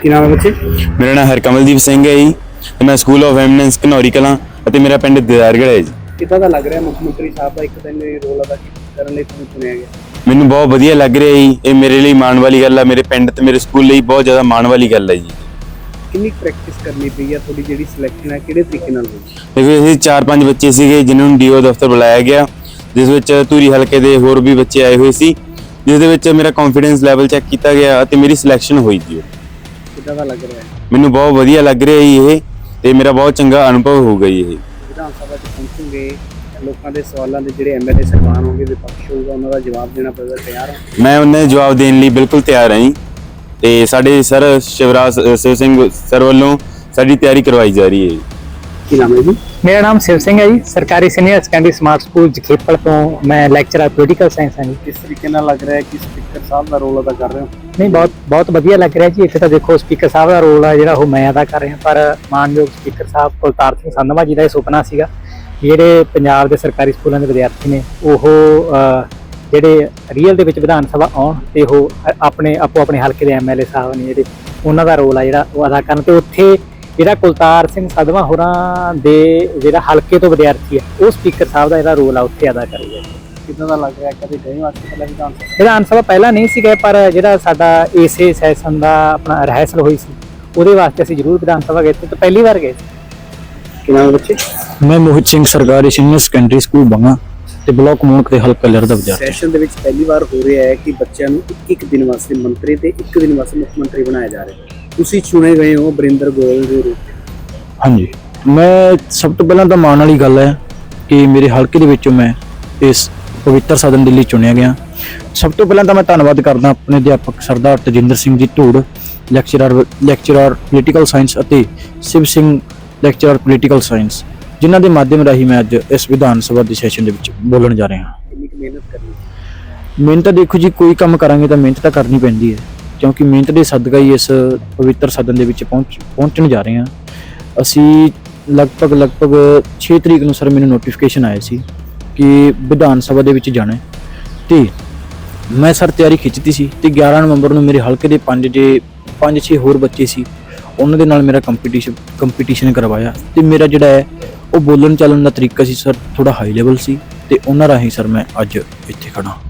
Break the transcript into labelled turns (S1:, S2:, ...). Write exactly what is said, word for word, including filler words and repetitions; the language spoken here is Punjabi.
S1: ਕੀ ਨਾਮ ਹੈ ਬੱਚੇ?
S2: ਮੇਰਾ ਨਾਮ ਹਰਕਮਲਦੀਪ ਸਿੰਘ ਹੈ ਜੀ ਤੇ ਮੈਂ school of eminence Ghanauri Kalan ਅਤੇ ਮੇਰਾ ਪਿੰਡ ਦਿਦਾਰਗੜ੍ਹ ਹੈ ਜੀ।
S1: ਕਿੱਦਾਂ ਦਾ ਲੱਗ ਰਿਹਾ ਮੁੱਖ ਮੰਤਰੀ ਸਾਹਿਬ ਦਾ ਇੱਕ ਦਿਨ ਰੋਲ ਅਦਾ ਕਰਨ ਲਈ ਤੁਹਾਨੂੰ ਚੁਣਿਆ ਗਿਆ?
S2: ਮੈਨੂੰ ਬਹੁਤ ਵਧੀਆ ਲੱਗ ਰਿਹਾ ਜੀ। ਇਹ ਮੇਰੇ ਲਈ ਮਾਣ ਵਾਲੀ ਗੱਲ ਹੈ, ਮੇਰੇ ਪਿੰਡ ਤੇ ਮੇਰੇ ਸਕੂਲ ਲਈ ਬਹੁਤ ਜ਼ਿਆਦਾ ਮਾਣ ਵਾਲੀ ਗੱਲ ਹੈ ਜੀ।
S1: ਕਿੰਨੀ ਪ੍ਰੈਕਟਿਸ ਕਰਨੀ ਪਈ ਹੈ? ਤੁਹਾਡੀ ਜਿਹੜੀ ਸਿਲੈਕਸ਼ਨ ਹੈ ਕਿਹੜੇ ਤਰੀਕੇ ਨਾਲ ਹੋਈ?
S2: ਦੇਖੋ ਇਹ ਚਾਰ ਪੰਜ ਬੱਚੇ ਸੀਗੇ ਜਿਨ੍ਹਾਂ ਨੂੰ ਡੀਓ ਦਫ਼ਤਰ ਬੁਲਾਇਆ ਗਿਆ, ਜਿਸ ਵਿੱਚ ਧੂਰੀ ਹਲਕੇ ਦੇ ਹੋਰ ਵੀ ਬੱਚੇ ਆਏ ਹੋਏ ਸੀ, ਜਿਸ ਦੇ ਵਿੱਚ ਮੇਰਾ ਕੌਨਫੀਡੈਂਸ ਲੈਵਲ ਚੈੱਕ ਕੀਤਾ ਗਿਆ ਅਤੇ ਮੇਰੀ ਸਿਲੈਕਸ਼ਨ ਹੋਈ ਜੀ।
S1: ਕਿੱਦਾਂ ਦਾ ਲੱਗ ਰਿਹਾ ਹੈ?
S2: ਮੈਨੂੰ ਬਹੁਤ ਵਧੀਆ ਲੱਗ ਰਿਹਾ ਜੀ ਇਹ, ਤੇ ਮੇਰਾ ਬਹੁਤ ਚੰਗਾ ਅਨੁਭਵ ਹੋਊਗਾ ਜੀ। ਇਹ
S1: ਵਿਧਾਨ ਸਭਾ 'ਚ ਪਹੁੰਚੋਗੇ, ਲੋਕਾਂ ਦੇ ਸਵਾਲਾਂ ਦੇ ਜਿਹੜੇ ਐਮਐਲਏ ਸਰਕਾਰ ਹੋਣਗੇ, ਵਿਪਕਸ਼ ਹੋਊਗਾ, ਉਹਨਾਂ ਦਾ ਜਵਾਬ ਦੇਣਾ ਪਵੇਗਾ, ਤਿਆਰ ਹੋ?
S2: ਮੈਂ ਉਹਨਾਂ ਦੇ ਜਵਾਬ ਦੇਣ ਲਈ ਬਿਲਕੁਲ ਤਿਆਰ ਹਾਂ ਜੀ। ਤੇ ਸਾਡੇ ਸਰ ਸ਼ਿਵਰਾਜ ਸ਼ਿਵ ਸਿੰਘ ਸਰ ਵੱਲੋਂ ਸਾਡੀ ਤਿਆਰੀ ਕਰਵਾਈ ਜਾ ਰਹੀ ਹੈ ਜੀ।
S1: ਕੀ ਨਾਮ ਹੈ ਜੀ?
S3: मेरा नाम शिव सिंह है जी। सरकारी senior secondary smart school Jakhepal तो मैं लैक्चरर पोलिटिकल साइंस हाँ जी।
S1: ਕਿਸ ਤਰੀਕੇ ਨਾਲ ਲੱਗ ਰਿਹਾ ਹੈ ਕਿ ਸਪੀਕਰ ਸਾਹਿਬ ਦਾ ਰੋਲ ਅਦਾ ਕਰ ਰਹੇ ਹੋ?
S3: नहीं बहुत बहुत वधिया लग रहा जी। इत्थे तो देखो स्पीकर साहब का रोल है जिहड़ा वो मैं अदा कर रहा, पर मानयोग स्पीकर साहब कुलतार सिंह संधवा जी का सुपना सीगा जिहड़े पंजाब के सरकारी स्कूलों के विद्यार्थी ने ਉਹ ਜਿਹੜੇ ਰੀਅਲ ਦੇ ਵਿੱਚ ਵਿਧਾਨ ਸਭਾ ਆਉਣ ਤੇ ਉਹ ਆਪਣੇ ਆਪੋ ਆਪਣੇ ਹਲਕੇ ਦੇ ਐਮਐਲਏ ਸਾਹਿਬ ਨੇ ਜਿਹੜੇ ਉਹਨਾਂ ਦਾ ਰੋਲ ਆ ਜਿਹੜਾ ਉਹ ਅਦਾ ਕਰਨ, ਤੇ ਉੱਥੇ ਜਿਹੜਾ ਕੁਲਤਾਰ ਸਿੰਘ ਸੰਧਵਾ ਹੋਰਾਂ ਦੇ ਜਿਹੜਾ ਹਲਕੇ ਤੋਂ ਵਿਦਿਆਰਥੀ ਹੈ ਉਹ ਸਪੀਕਰ ਸਾਹਿਬ ਦਾ ਜਿਹੜਾ ਰੋਲ ਆ ਉੱਥੇ ਅਦਾ ਕਰੇਗਾ।
S1: ਕਿੱਦਾਂ ਦਾ ਲੱਗ ਰਿਹਾ? ਕਦੇ ਗਏ ਹੋ ਅੱਜ ਤੋਂ ਪਹਿਲਾਂ ਵਿਧਾਨ ਸਭਾ?
S3: ਵਿਧਾਨ ਸਭਾ ਪਹਿਲਾਂ ਨਹੀਂ ਸੀ ਗਏ, ਪਰ ਜਿਹੜਾ ਸਾਡਾ ਇਸੇ ਸੈਸ਼ਨ ਦਾ ਆਪਣਾ ਰਿਹਰਸਲ ਹੋਈ ਸੀ ਉਹਦੇ ਵਾਸਤੇ ਅਸੀਂ ਜ਼ਰੂਰ ਵਿਧਾਨ ਸਭਾ ਗਏ ਤੇ ਪਹਿਲੀ ਵਾਰ ਗਏ ਸੀ।
S1: ਕੀ ਨਾਮ ਹੈ ਬੱਚੇ?
S4: मैं मोहित सिंह सरकारी सीनियर सेकेंडरी स्कूल बंगा ਤੇ ਬਲਾਕ ਮੂਣਕ ਦੇ ਹਲਕਾ ਲਹਿਰ ਦਾ ਵਿਦਿਆਰਥੀ।
S1: ਸੈਸ਼ਨ ਦੇ ਵਿੱਚ ਪਹਿਲੀ ਵਾਰ ਹੋ ਰਿਹਾ ਹੈ ਕਿ ਬੱਚਿਆਂ ਨੂੰ ਇੱਕ ਇੱਕ ਦਿਨ ਵਾਸਤੇ ਮੰਤਰੀ ਤੇ ਇੱਕ ਦਿਨ ਵਾਸਤੇ ਮੁੱਖ ਮੰਤਰੀ ਬਣਾਇਆ ਜਾ ਰਿਹਾ ਹੈ। ਤੁਸੀਂ ਚੁਣੇ ਗਏ ਹੋ ਬਰਿੰਦਰ ਗੋਇਲ ਦੇ ਰੂਪ ਵਿੱਚ।
S4: ਹਾਂਜੀ, ਮੈਂ ਸਭ ਤੋਂ ਪਹਿਲਾਂ ਤਾਂ ਮਾਣ ਵਾਲੀ ਗੱਲ ਹੈ ਕਿ ਮੇਰੇ ਹਲਕੇ ਦੇ ਵਿੱਚੋਂ ਮੈਂ ਇਸ ਪਵਿੱਤਰ ਸਦਨ ਦੇ ਲਈ ਚੁਣਿਆ ਗਿਆ। ਸਭ ਤੋਂ ਪਹਿਲਾਂ ਤਾਂ ਮੈਂ ਧੰਨਵਾਦ ਕਰਦਾ ਆਪਣੇ ਅਧਿਆਪਕ ਸਰਦਾਰ Tajinder Singh ji Dhoor, lecturer lecturer political science ਅਤੇ Shiv Singh lecturer political science, ਜਿਨ੍ਹਾਂ ਦੇ ਮਾਧਿਅਮ ਰਾਹੀਂ ਮੈਂ ਅੱਜ ਇਸ ਵਿਧਾਨ ਸਭਾ ਦੇ ਸੈਸ਼ਨ ਦੇ ਵਿੱਚ ਬੋਲਣ ਜਾ ਰਿਹਾ ਹਾਂ।
S1: ਕਿੰਨੀ ਕੁ ਮਿਹਨਤ ਕਰਨੀ?
S4: ਮਿਹਨਤ ਤਾਂ ਦੇਖੋ ਜੀ, ਕੋਈ ਕੰਮ ਕਰਾਂਗੇ ਤਾਂ ਮਿਹਨਤ ਤਾਂ ਕਰਨੀ ਪੈਂਦੀ ਹੈ, ਕਿਉਂਕਿ ਮਿਹਨਤ ਦੇ ਸਦਕਾ ਹੀ ਇਸ ਪਵਿੱਤਰ ਸਦਨ ਦੇ ਵਿੱਚ ਪਹੁੰਚ ਪਹੁੰਚਣ ਜਾ ਰਹੇ ਹਾਂ। ਅਸੀਂ ਲਗਭਗ ਲਗਭਗ ਛੇ ਤਰੀਕ ਨੂੰ ਸਰ ਮੈਨੂੰ ਨੋਟੀਫਿਕੇਸ਼ਨ ਆਇਆ ਸੀ ਕਿ ਵਿਧਾਨ ਸਭਾ ਦੇ ਵਿੱਚ ਜਾਣਾ, ਤੇ ਮੈਂ ਸਰ ਤਿਆਰੀ ਖਿੱਚਦੀ ਸੀ ਤੇ ਗਿਆਰਾਂ ਨਵੰਬਰ ਨੂੰ ਮੇਰੇ ਹਲਕੇ ਦੇ ਪੰਜ ਜੇ ਪੰਜ ਛੇ ਹੋਰ ਬੱਚੇ ਸੀ, ਉਹਨਾਂ ਦੇ ਨਾਲ ਮੇਰਾ ਕੰਪੀਟੀਸ਼ਨ ਕੰਪੀਟੀਸ਼ਨ ਕਰਵਾਇਆ, ਤੇ ਮੇਰਾ ਜਿਹੜਾ ਹੈ ਉਹ ਬੋਲਣ ਚੱਲਣ ਦਾ ਤਰੀਕਾ ਸੀ ਸਰ ਥੋੜਾ ਹਾਈ ਲੈਵਲ ਸੀ, ਤੇ ਉਹਨਾਂ ਰਾਹੀਂ ਸਰ ਮੈਂ ਅੱਜ ਇੱਥੇ ਖੜਾ।